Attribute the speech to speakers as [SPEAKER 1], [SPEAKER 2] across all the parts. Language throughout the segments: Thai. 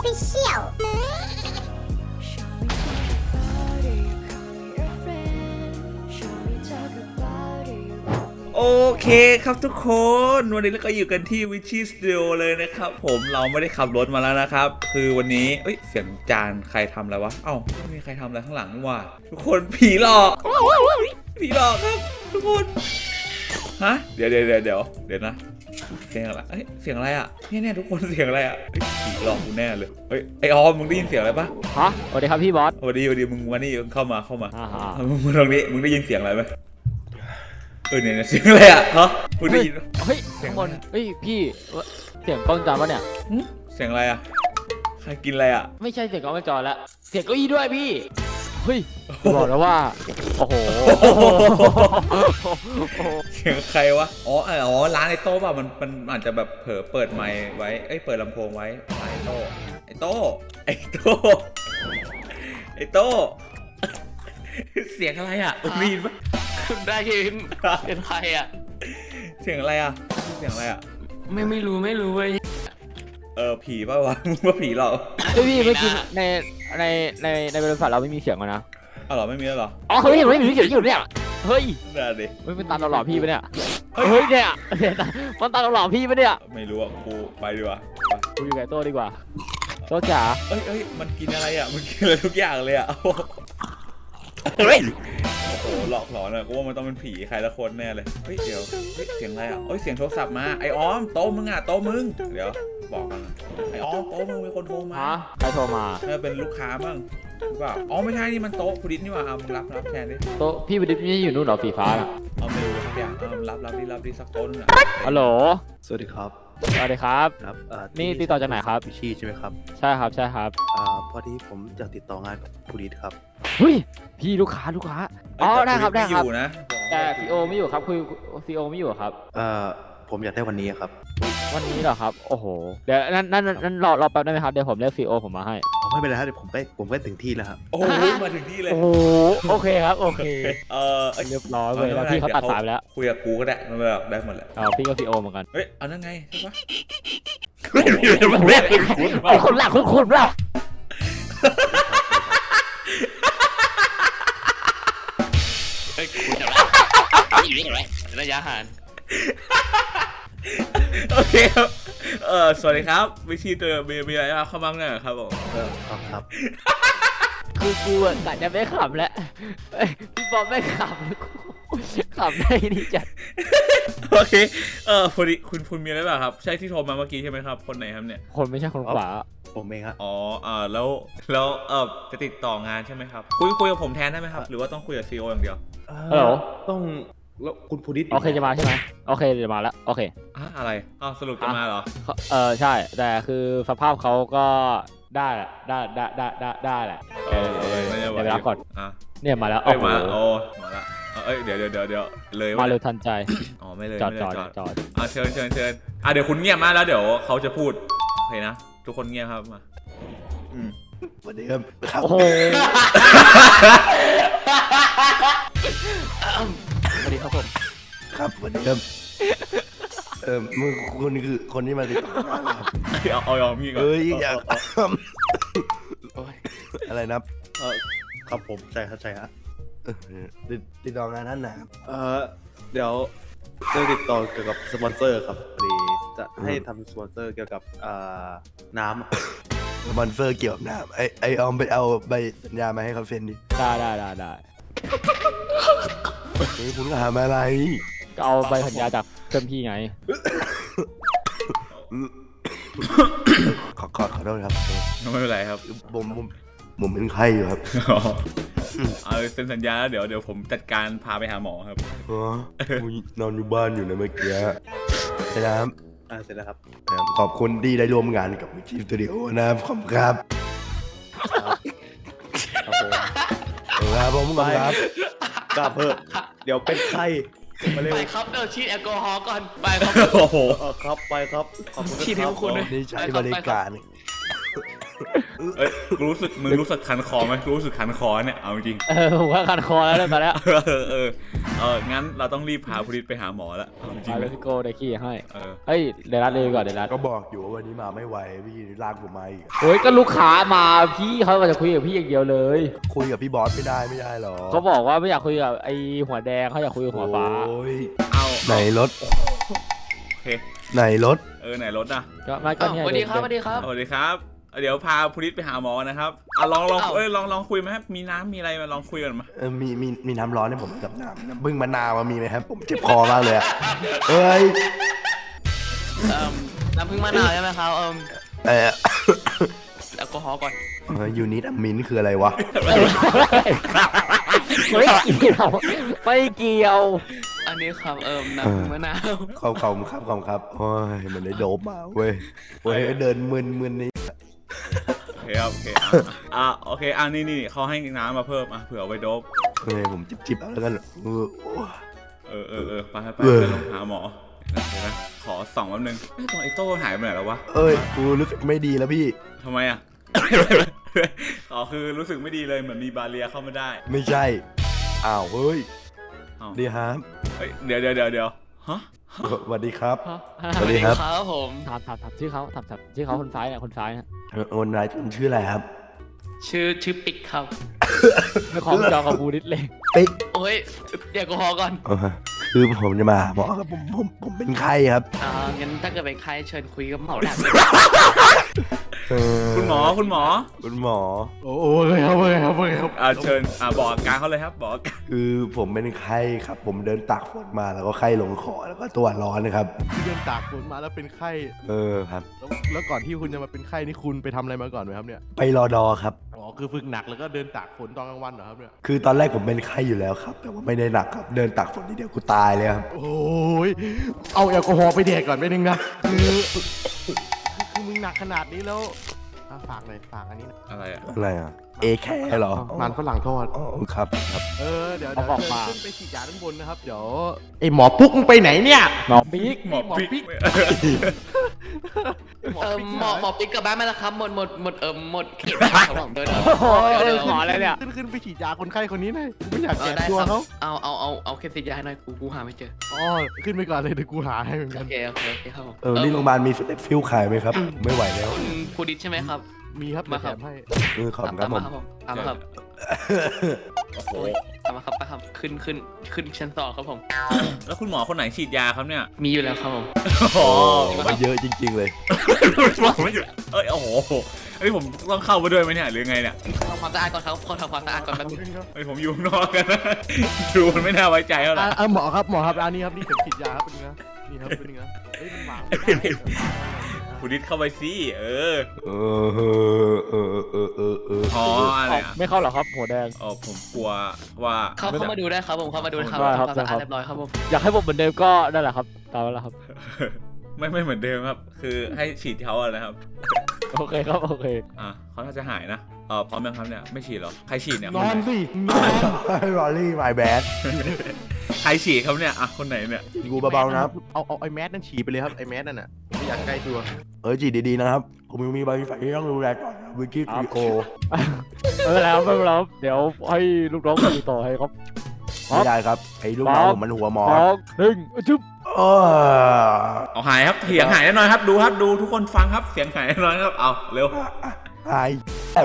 [SPEAKER 1] Official
[SPEAKER 2] โอเคครับทุกคนวันนี้เราก็อยู่กันที่วิชิสตูดิโอเลยนะครับผมเราไม่ได้ขับรถมาแล้วนะครับคือวันนี้เสียงจานใครทำอะไรวะเอ้าไม่มีใครทำอะไรข้างหลังนี่หว่าทุกคนผีหลอกครับทุกคนฮะเดี๋ยวนะเสียงอะไรเสียงอะไรอ่ะเนี่ยทุกคนเสียงอะไรอ่ะผีหลอกกูแน่เลยไอออมมึงได้ยินเสียงอะไรปะ
[SPEAKER 3] ฮะสวัสดีครับพี่บอส
[SPEAKER 2] สวัสดีมึงมานี่เข้ามามึงมาตรงนี้มึงได้ยินเสียงอะไรไหมเนี่ยเสียงอะไรอ่ะฮะมึงได้ยิน
[SPEAKER 3] ข้างบนพี่เสียงกล้องจอปะเนี่ย
[SPEAKER 2] เสียงอะไรอ่ะใครกินอะไรอ่ะ
[SPEAKER 3] ไม่ใช่เสียงกล้องจอแล้วเสียงเก้าอี้ด้วยพี่บอกแล้วว่าโอ้โห
[SPEAKER 2] เสียงใครวะอ๋อร้านไอโต้ป่ะมันอาจจะแบบเผลอเปิดไมค์ไว้เปิดลำโพงไว้ไอโต้เสียงอะไรอ่ะมีนปะ
[SPEAKER 4] คุณได้ยินเป็นใครอ่ะ
[SPEAKER 2] เสียงอะไรอ่ะ
[SPEAKER 4] ไม่รู้เว้ย
[SPEAKER 2] ผีป่ะวะมึงว่าผีหรอ
[SPEAKER 3] พี่เมื่อกี้ในบริษัทเราไม่มีเสียงนะ
[SPEAKER 2] อ๋อเหรอไม่มีแล้วเหรอ
[SPEAKER 3] อ๋อเฮ้ยไม่มีเสียงอยู่เนี่ยเฮ้ย
[SPEAKER 2] น่าดิ
[SPEAKER 3] มันเป็นตาหล่อพี่ปะเนี่ยเฮ้ยเนี่ยมันตาหล่อพี่ปะเนี่ย
[SPEAKER 2] ไม่รู้อ่ะกูไปดีกว่า
[SPEAKER 3] กูอยู่กับโต้ดีกว่าโต้จ๋า
[SPEAKER 2] มันกินอะไรอ่ะมันกินอะไรทุกอย่างเลยอ่ะโอ้โหหลอกหลอนอะกูว่ามันต้องเป็นผีใครละคนแน่เลยเดี๋ยวเสียงอะไรอ่ะเสียงโทรศัพท์มาไอออมโต๊ะมึงเดี๋ยวบอกกันไอออมโต๊ะมึงมีคนโทรมา
[SPEAKER 3] ใครโทรมา
[SPEAKER 2] เป็นลูกค้ามั้งหรือเปล่าไม่ใช่นี่มันโต๊ะพุดิษนี่หว่ามึงรับแทนดิ
[SPEAKER 3] โต๊ะพี่พุดิษนี่อยู่นู่นเหรอสีฟ้าอ่ะ
[SPEAKER 2] ไม่รู้สักอย่างรับดิสักโต๊ะนึงอ่ะ
[SPEAKER 3] ฮัลโหล
[SPEAKER 5] สวัสดีครับ
[SPEAKER 3] ครับนี่ติดต่อจากไหนครับ
[SPEAKER 5] พิชี่ใช่ไหมครับ
[SPEAKER 3] ใช่ครับ
[SPEAKER 5] พอดีผมจะติดต่องานกับพุดิษครับ
[SPEAKER 3] พี่ลูกค้าได้ครับ
[SPEAKER 2] อยู่นะ
[SPEAKER 3] แต่ซีโอไม่อยู่ครับคุยซีโอไม่อยู่ครับ
[SPEAKER 5] ผมอยากได้วันนี้ครับ
[SPEAKER 3] วันนี้เหรอครับโอ้โหเดี๋ยวนั่นรอแป๊บได้ไหมครับเดี๋ยวผมเรียกซีโอผมมาให้
[SPEAKER 5] ไม่เป็นไรครับเดี๋ยวผมไปถึงที่แล้วครับ
[SPEAKER 2] โอ้มาถึงที่เลย
[SPEAKER 3] โอเคครับโอเคเรียบร้อยเลยแล้วพี่เขาตัดสายไปแล้ว
[SPEAKER 2] คุยกับกูก็ได้มันแบบได้หมดแหละ
[SPEAKER 3] พี่ก็ซีโอเหมือนกัน
[SPEAKER 2] เอานั่นไงใช่ปะ
[SPEAKER 3] คนละคุณละ
[SPEAKER 4] คุณจะอยู่นี่ไงระยะห่าง
[SPEAKER 2] โอเคครับสวัสดีครับวิชีตัวมีอะไรเข้ามาเนี่ยครับผม
[SPEAKER 5] ครับ
[SPEAKER 3] คือกูกะจะไม่ขำแล้วพี่บอลไม่ขำได้นี่จัด
[SPEAKER 2] โอเคพอดีคุณมีอะไรบ้างครับใช่ที่โทรมาเมื่อกี้ใช่ไหมครับคนไหนครับเนี่ย
[SPEAKER 3] คนไม่ใช่คนขวา
[SPEAKER 5] ผมเองครับ
[SPEAKER 2] แล้วจะติดต่องานใช่ไหมครับคุยกับผมแทนได้ไหมครับหรือว่าต้องคุยกับซีโออย่างเดียว
[SPEAKER 3] ฮัลโหล
[SPEAKER 5] ต้องแล้วคุณพุดิษ
[SPEAKER 3] โอเคจะมาใช่ไหมโอเคจะมาแล้วโอเค
[SPEAKER 2] อะไรสรุปจะมาเหรอ
[SPEAKER 3] ใช่แต่คือสภาพเขาก็ได้แหละเดี๋ยวไปรับก่อนเนี่ยมาแล้ว
[SPEAKER 2] มาแล้วเดี๋ยวเลย
[SPEAKER 3] มาเร็วทันใจ
[SPEAKER 2] ไม่เลย
[SPEAKER 3] จอด
[SPEAKER 2] เชิญเดี๋ยวคุณเงียบมาแล้วเดี๋ยวเขาจะพูดโอเคนะทุกคนเงียบครับมา
[SPEAKER 5] สวัสดีครับ
[SPEAKER 3] โอ้โหสวัสดีครับผม
[SPEAKER 5] ครับสวัสดีครับมึงคุณคือคนที่มาติดต่องานครับ
[SPEAKER 2] เอามีก่อน
[SPEAKER 5] อยากอะไรนะครับผมใช่ฮะติดต่องานนั้นนะครับเดี๋ยวติดต่อเกี่ยวกับสปอนเซอร์ครับพอดีจะให้ทำสปอนเซอร์เกี่ยวกับน้ำสปอนเซอร์เกี่ยวกับน้ำไอออมไปเอาใบสัญญามาให้เขาเซ็นดิ
[SPEAKER 3] ได้
[SPEAKER 5] คุณถามอะไร
[SPEAKER 3] ก็เอาใบสัญญาจากเพื่อนพี่ไง
[SPEAKER 5] ขอโทษครับ
[SPEAKER 2] ไม่เป็นไรครับ
[SPEAKER 5] ผมเป็นไข้อยู่ครับ
[SPEAKER 2] เซ็นสัญญาแล้วเดี๋ยวผมจัดการพาไปหาหมอครับ
[SPEAKER 5] นอนอยู่บ้านอยู่นะเมื่อกี้ใช่ครับเสร็จแล้วครับขอบคุณที่ได้ร่วมงานกับวิชิสตูดิโอนะครับขอบคุณครับผมครับกลับเถอะเดี๋ยวเป็นไข้
[SPEAKER 4] ไปครับฉีดแอลกอฮอล์ก่อนไปครับ
[SPEAKER 2] โอ้โห
[SPEAKER 5] ครับไปครับขอบคุณ
[SPEAKER 4] ฉีดให้คุณด้วย
[SPEAKER 5] นี่ใช้บริการ
[SPEAKER 2] เอ้ยกูรู้สึกมึงรู้สึกคันคอไหมกูรู้สึกคันคอเนี่ยเอาจริง
[SPEAKER 3] ผมว่าคันคอแล้วตอนนี้
[SPEAKER 2] งั้นเราต้องรีบพาพุริศไปหาหมอแล้วเอาจริง
[SPEAKER 3] มา
[SPEAKER 2] ๆ
[SPEAKER 3] เล
[SPEAKER 2] เลย ย
[SPEAKER 3] พี่โก้ได้ขี้ให้
[SPEAKER 2] เออ
[SPEAKER 3] เฮ้ยเดี๋ยวรัดเลยก่อนเดี๋ยวรัด
[SPEAKER 1] ก็บอกอยู่ว่าวันนี้มาไม่ไหวพี่ลากผมมาอีก
[SPEAKER 3] โอ้ยก็ลูกค้ามาพี่เขาก็จะคุยกับพี่อย่างเดียวเลย
[SPEAKER 1] คุยกับพี่บอสไม่ได้หรอ
[SPEAKER 3] เขาบอกว่าไม่อยากคุยกับไอ้หัวแดงเขาอยากคุยกับหัวฟ้า
[SPEAKER 1] โอ้ย
[SPEAKER 2] เอา
[SPEAKER 1] ไหนรถ
[SPEAKER 2] โอเค
[SPEAKER 1] ไหนรถ
[SPEAKER 2] ไหนรถนะ
[SPEAKER 3] ก็ไม่ก็
[SPEAKER 4] อ้าว
[SPEAKER 3] เนี่ย
[SPEAKER 4] สวัสดีครับสวัสดีครับ
[SPEAKER 2] สวัสดีครับ เดี๋ยวพาพุริศไปหาหมอนะครับลอง
[SPEAKER 4] อ้าว
[SPEAKER 2] ลองคุยไหมครับมีน้ำมีอะไรมาลองคุยกันมา
[SPEAKER 1] มีน้ำร้อนให้ผมกับน้ำบึ้งมะนาวมีไหมครับ ผมเจ็บคอมากเลยอะเอ้ย
[SPEAKER 4] น้ำผึ้งมะนาวใช่ไหมครับ
[SPEAKER 1] เออ
[SPEAKER 4] แอลกอฮอล์ก่อน
[SPEAKER 1] ยูนิตมินคืออะไรวะ
[SPEAKER 3] ไม่เกี่ยวไม่เกี่ยว
[SPEAKER 4] อันนี้ครับน้ำผึ้งมะนาว
[SPEAKER 1] ขอบครับโอ้ยมันได้โดบมาเว้ยเดินมึนนี่
[SPEAKER 2] โอเคครับโอเคโอเคนี่เขาให้น้ำมาเพิ่มเผื่อเอาไว้โดบ
[SPEAKER 1] เฮ้ยผมจิบเอาแล้วกัน
[SPEAKER 2] ไปลองหาหมอเดี๋ยวนะขอส่องแป๊บนึงตรงไอ้โต้หายไปไหนแล้ววะ
[SPEAKER 1] เอ้ยกูรู้สึกไม่ดีแล้วพี่
[SPEAKER 2] ทำไมอ่ะ คือรู้สึกไม่ดีเลยเหมือนมีบาเรียเข้ามาได้
[SPEAKER 1] ไม่ใช่อ้าวเฮ้ย
[SPEAKER 2] อ้าว
[SPEAKER 1] ดีครับ
[SPEAKER 2] เดี๋ยวฮะ
[SPEAKER 1] สวัสดีครับ
[SPEAKER 4] สวัสดีครับผม
[SPEAKER 3] ถามชื่อเขาถามชื่อเขาคนซ้ายเนี่ยคนซ้ายนะ
[SPEAKER 1] คนนายชื่ออะไรครับ
[SPEAKER 4] ชื่อปิ๊กครับ
[SPEAKER 3] ไม่ของจองกับบูดิสเลย
[SPEAKER 1] ปิ๊ก
[SPEAKER 4] โอ้ยแอลกอฮอล์ก่อน
[SPEAKER 1] คือผมจะมาหมอครับผมเป็นไข้ครับ
[SPEAKER 4] งั้นถ้าเกิดเป็นใครเชิญคุยกับหมอแหลม
[SPEAKER 2] คุณหมอ
[SPEAKER 1] คุณหมอ
[SPEAKER 5] โอ้ยครับ
[SPEAKER 2] เชิญบอกอาการเขาเลยครับบอกอาการ
[SPEAKER 1] คือผมเป็นไข้ครับ ผมเดินตากฝนมาแล้วก็ไข้ลงคอแล้วก็ตัวร้อนนะครับ
[SPEAKER 5] ที่เดินตากฝนมาแล้วเป็นไข้
[SPEAKER 1] ครับ
[SPEAKER 5] แล้วก่อนที่คุณจะมาเป็นไข้นี่คุณไปทำอะไรมาก่อนไหมครับเนี่ย
[SPEAKER 1] ไปรอดอครับ
[SPEAKER 5] อ๋อคือฝึกหนักแล้วก็เดินตากฝนตอนกลางวันเหรอครับเนี่ย
[SPEAKER 1] คือตอนแรกผมเป็นไข้อยู่แล้วครับ แต่ว่าไม่ได้หนักครับ เดินตากฝนนิดเดียวกูตายเลยครับ
[SPEAKER 5] โอ้ยเอาแอลกอฮอล์ไปแดกก่อนไม่นึงนะคือมึงหนักขนาดนี้แล้วฝากหน่อยฝากอันนี้นะ
[SPEAKER 2] อะไรอ่ะ
[SPEAKER 1] อะไรอ่ะ เอแคร์เหรอ
[SPEAKER 5] มันฝรั่งทอด
[SPEAKER 1] อ๋อครับ
[SPEAKER 5] เดี๋ยวขึ้นไปฉีดยาด้านบนนะครับเดี๋ยวไอหมอปุ๊กมึงไปไหนเนี่ย
[SPEAKER 3] หมอปีก
[SPEAKER 2] หมอปิ๊ก
[SPEAKER 4] หมอปิ๊กกลับบ้านมาแล้วครับหมดเขตครับผมเดิน
[SPEAKER 3] โอ้ยหมออะไรเนี่ย
[SPEAKER 5] ขึ้นไปฉีดยาคนไข้คนนี้หน่อยกูไม่อยากแกะ
[SPEAKER 4] ได้
[SPEAKER 5] ตัว
[SPEAKER 4] ครับ
[SPEAKER 5] เขา
[SPEAKER 4] เอาเคสติดยาให้หน่อยกูหาไม่เจอ
[SPEAKER 5] อ๋อขึ้นไปก่อนเลยเดี๋ยวกูหาให้เหมือนกั
[SPEAKER 4] โอน เคครับผม
[SPEAKER 1] นี่โรงพยาบาลมีสเต็ปฟิลขายไหมครับ ไม่ไหวแล้ว
[SPEAKER 4] คุณภูดิษใช่ไหมครับ
[SPEAKER 5] มีครับ
[SPEAKER 4] มา
[SPEAKER 5] มา
[SPEAKER 4] ค
[SPEAKER 5] แถ
[SPEAKER 4] รับ
[SPEAKER 5] มให้
[SPEAKER 1] ขอบคุณครับผม
[SPEAKER 4] ตามมาครับ
[SPEAKER 2] โอ้โห
[SPEAKER 4] ตามมาครับไปครับขึ้นชั้นสองครับผม
[SPEAKER 2] แล้วคุณหมอคนไหนฉีดยาครับเนี่ย
[SPEAKER 4] มีอยู่แล้วครับผม
[SPEAKER 2] อ๋อ
[SPEAKER 1] มาเยอะจริง ๆ เลย
[SPEAKER 2] หมอไม่หยุดโอ้โหผมต้องเข้าไปด้วยไหมเนี่ยหรือไงเนี่ย
[SPEAKER 4] ทำความสะอาดก่อนครับขอทำความสะอาดก่อนแป๊บนึง
[SPEAKER 2] ผมอยู่ข้างนอกกันนะดูมันไม่น่าไว้ใจเท่าไหร่
[SPEAKER 5] หมอครับอันนี้ครับนี่เข็มฉีดยาครับเป็นไงนี่ครับเป็นไงเฮ้ยมันวางไม่ได้
[SPEAKER 2] คุณดิษเข้าไปสิอ๋ออะไรอ่ะ
[SPEAKER 3] ไม่เข้าหรอครับหัวแดง
[SPEAKER 2] ผมกลัวว่า
[SPEAKER 4] เข้ามาดูได้ครับผมเข้ามาดูได้ครับ
[SPEAKER 3] ได้ครับ
[SPEAKER 4] ทำความสะอาดเรียบร้อยครับผม
[SPEAKER 3] อยากให้ผมเหมือนเดิมก็นั่นแหละครับตามนั้นแหละครับ
[SPEAKER 2] ไม่เหมือนเดิมครับ คือให้ฉีดเขาอะนะครับ
[SPEAKER 3] โอเคครับโอเค
[SPEAKER 2] เขาน่าจะหายนะพร้อมยังครับเนี่ยไม่ฉีดเหรอใครฉีดเนี่ย
[SPEAKER 5] นอนสินอน
[SPEAKER 1] รอรี่ไมแบด
[SPEAKER 2] ใครฉีดครับเนี่ยคนไหนเนี่ย
[SPEAKER 1] กูเบาๆนะครับ
[SPEAKER 5] เอาไอ้แมสนั่นฉีดไปเลยครับไอ้แมสนั่นน่ะไม่อยากใกล้ตัว
[SPEAKER 1] จีดีๆนะครับ ผมยังมีบางฝ่ายที่ต้องดูแลก่อนวิกิพีโอ
[SPEAKER 3] ไม่เป็นไรครับไม่เป็นไรครับเดี๋ยวให้ลูกน้องคุยต่อให้ครับ
[SPEAKER 1] ไม่ได้ครับไอ้ลูกน้องผมมันหัวหมอ
[SPEAKER 3] 1จุ๊บ
[SPEAKER 2] เอาหายครับเสียงหายแน่นอนครับดูทุกคนฟังครับเสียงหายแน่นอนครับเอาเร็ว
[SPEAKER 1] หาย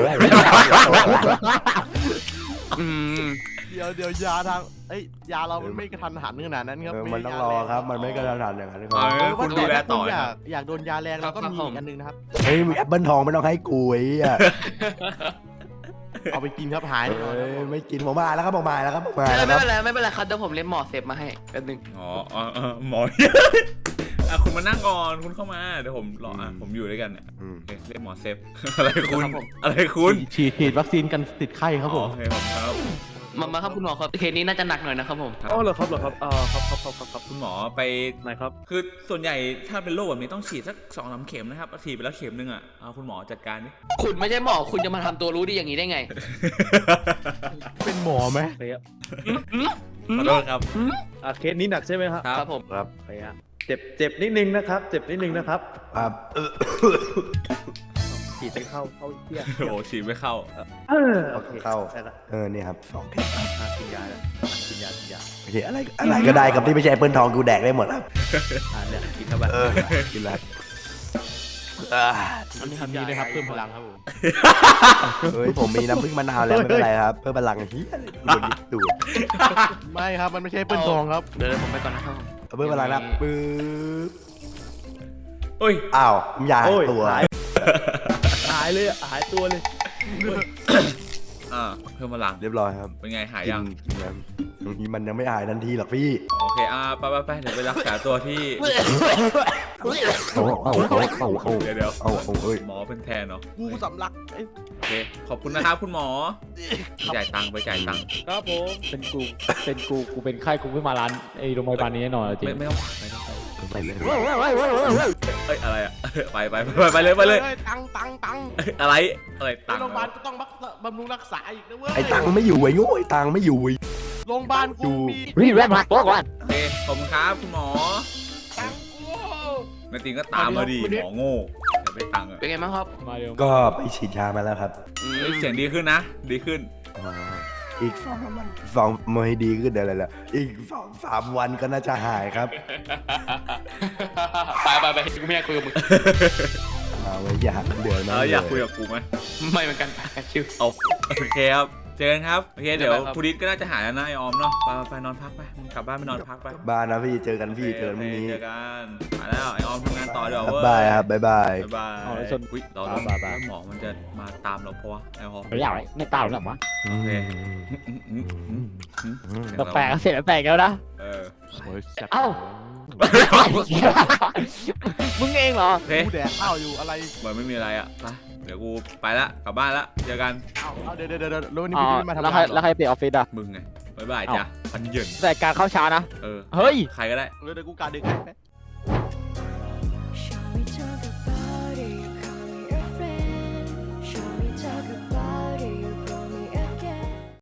[SPEAKER 5] เดี๋ยวยาทางยาเรามันไม่กระทันหันขนาดนั้นครับ
[SPEAKER 1] มันต้องรอครับ มันไม่กระทันหันอย่างนั้นครับ
[SPEAKER 2] คุณดูแลต่อ
[SPEAKER 5] อยากโดนยาแรงเราก็มีอันนึงนะครับ
[SPEAKER 1] เฮ้ยมีแอปเปิลทองไม่ต้องให้กูไอ้อ่ะ
[SPEAKER 5] เอาไปกินครับหาย
[SPEAKER 1] ไม่กินผมมาแล้วครับผมมาแล้วครับผมมา
[SPEAKER 4] ไม่
[SPEAKER 1] แล้ว
[SPEAKER 4] เป็นไรครับเดี๋ยวผมเล่นหมอเซฟมาให้แป๊บนึง
[SPEAKER 2] หมอคุณมานั่งก่อนคุณเข้ามาเดี๋ยวผมรอผมอยู่ด้วยกันเนี่ยเรียกหมอเซฟอะไรคุณ
[SPEAKER 5] ฉีดวัคซีนกันติดไข้ครับผม
[SPEAKER 2] โอเคผมครับ
[SPEAKER 4] มาครับคุณหมอครับเคสนี้น่าจะหนักหน่อยนะครับผม
[SPEAKER 5] อ๋อเหรอครับครับ
[SPEAKER 2] คุณหมอไป
[SPEAKER 5] ไหนครับ
[SPEAKER 2] คือส่วนใหญ่ถ้าเป็นโรคแบบนี้ต้องฉีดสัก2-3 เข็มนะครับฉีดไปแล้วเข็มนึงคุณหมอจัดการดิ
[SPEAKER 4] คุณไม่ใช่หมอคุณจะมาทำตัวรู้ดีอย่างนี้ได้ไง
[SPEAKER 5] เป็นหมอไหม
[SPEAKER 2] ขอโทษครับ
[SPEAKER 5] เคสนี้หนักใช่ไหมครับ
[SPEAKER 4] ครับผม
[SPEAKER 1] ครับ
[SPEAKER 5] เจ็บนิดนึงนะครับ เจ็บนิดนึงนะครับ
[SPEAKER 1] ครับ
[SPEAKER 5] ฉีดไปเข้าเที่ย
[SPEAKER 2] โอ้ฉีดไม่เข้า
[SPEAKER 5] โอเค
[SPEAKER 1] เข้า
[SPEAKER 5] ได้ละ
[SPEAKER 1] เนี่ยครับ2 เข็ม
[SPEAKER 5] กินยาแล้วกินยา
[SPEAKER 1] โอเคอะไรก็ได้ครับที่ไม่ใช่แอปเปิลทองกูแดกได้หมดครับ
[SPEAKER 5] เนี่ยกินเข้าไป
[SPEAKER 1] กินแล้ว
[SPEAKER 3] มันทำนี้เลยครับเพิ่มพลังครับผม
[SPEAKER 1] เฮ้ยผมมีน้ำผึ้งมะนาวแล้วไม่เป็นไรครับเพิ่มพลังเฮียอะไรดูด
[SPEAKER 5] ไม่ครับมันไม่ใช่เปิ้ลทองครับเดี๋ยวผมไปก่อนนะครับ
[SPEAKER 1] เพิ่มพลังนะปึ๊บ
[SPEAKER 2] เอ้ย
[SPEAKER 1] อ้าวผมอยากหายตัว
[SPEAKER 5] หายเลยหายตัวเลย
[SPEAKER 2] เพิ่มพลัง
[SPEAKER 1] เรียบร้อยครับ
[SPEAKER 2] เป็นไงหายยัง
[SPEAKER 1] กินแล้วบางทีมันยังไม่หายทันทีหรอกพี่
[SPEAKER 2] โอเคไปเดี๋ยวไปรักษาตัวที่ เดี๋ยว
[SPEAKER 1] เอาเอ้ย
[SPEAKER 2] หมอเป็นแทนเนาะ
[SPEAKER 5] กูสำลัก
[SPEAKER 2] โอเคขอบคุณนะครับคุณหมอจ่ายตังค์ไปจ่ายตังค์
[SPEAKER 5] ครับผม
[SPEAKER 3] เป็นกูเป็นไข้กูไม่มาร้านไอ้โรงพยาบาลนี้แน่นอนจริง
[SPEAKER 2] ไม่ต้องไป
[SPEAKER 1] ไปเลย
[SPEAKER 2] เอ้ยอะไรอ่ะไปเลย
[SPEAKER 5] ตัง
[SPEAKER 2] อะไรตังค์
[SPEAKER 5] โรงพยาบาลก็ต้องบำรุงรักษาอีกนะเว้ย
[SPEAKER 1] ไอ้ตังค์ไม่อยู่ไอ้โง่ไอ้ตังค์ไม่อยู่
[SPEAKER 5] โรงพยาบาลกูมี
[SPEAKER 3] รีบแรปมาตัวก่อน
[SPEAKER 2] โอเคขอบคุณครับคุณหมอ
[SPEAKER 5] ตังกู
[SPEAKER 2] แม่ติงก็ตามมาดิหมอโง่อย่าไปตังค์อ่ะ
[SPEAKER 4] เป็นไงบ้างครับ
[SPEAKER 3] มาเร็ว
[SPEAKER 1] ก็ไปฉีดยามาแล้วครับ
[SPEAKER 2] เฮ้ยเสียงดีขึ้นนะดีขึ้น
[SPEAKER 1] อีก2 วันไม่ดีขึ้นอะไรล่ะอีก2-3 วันก็น่าจะหายครับ
[SPEAKER 4] ไปกูไม่อยากคุยกับมึง
[SPEAKER 1] เอาไว้อยากเดือดนะ
[SPEAKER 2] อยากคุยกับกูไหม
[SPEAKER 4] ไม่เหมือนกันชิว
[SPEAKER 2] เอาโอเคครับเจอกันครับโอเคเดี๋ยว
[SPEAKER 4] บ๊ายบายครับ
[SPEAKER 2] ภูริศก็น่าจะหายแล้วนะไอออมเนาะไปนอนพักไปมึงกลับบ้านไปนอนพักไป
[SPEAKER 1] บ้านนะพี่เจอกันพี่เจอกันพรุ่งนี้
[SPEAKER 2] เจอกันมาแล้วไอออมทำงานต่อเดี๋ยว
[SPEAKER 1] บ๊ายบายครับบ๊ายบาย
[SPEAKER 2] บ๊ายบาย
[SPEAKER 3] เอาแล้วส่วน
[SPEAKER 2] อุ๊ยเราต้องหมอมันจะมาตามเราเพราะว่าแอลกอฮอล์
[SPEAKER 3] ไม่อยากไม่ตามหรอกวะ
[SPEAKER 2] โอเค
[SPEAKER 3] แปลกๆเสร็จแปลกแล้วนะ
[SPEAKER 2] เออ
[SPEAKER 3] เอ้า มึงเองเหรอ
[SPEAKER 2] โอเค
[SPEAKER 5] กูแดกข้าวอยู่อะไร
[SPEAKER 2] เหมือนไม่มีอะไรอ่ะไปเดี๋ยวกูไปละกลับบ้านละเจอกัน
[SPEAKER 5] เอาเดี๋ยวแล้ววันนี้
[SPEAKER 3] อ๋อ
[SPEAKER 5] พี่ไม่มาทำ
[SPEAKER 3] แล้ว
[SPEAKER 5] งาน
[SPEAKER 3] ใครเปลี่ยนออฟฟิศอ่ะ
[SPEAKER 2] มึงไงบ๊ายบายจ้ะพันเหยิน
[SPEAKER 3] แต่การเข้าช้านะ
[SPEAKER 2] เออ
[SPEAKER 3] เฮ้ย
[SPEAKER 2] ใครก็ได้
[SPEAKER 5] เดี๋ยวกูการดึกให้
[SPEAKER 6] Shall we talk about it? Call me your friend. Shall we talk about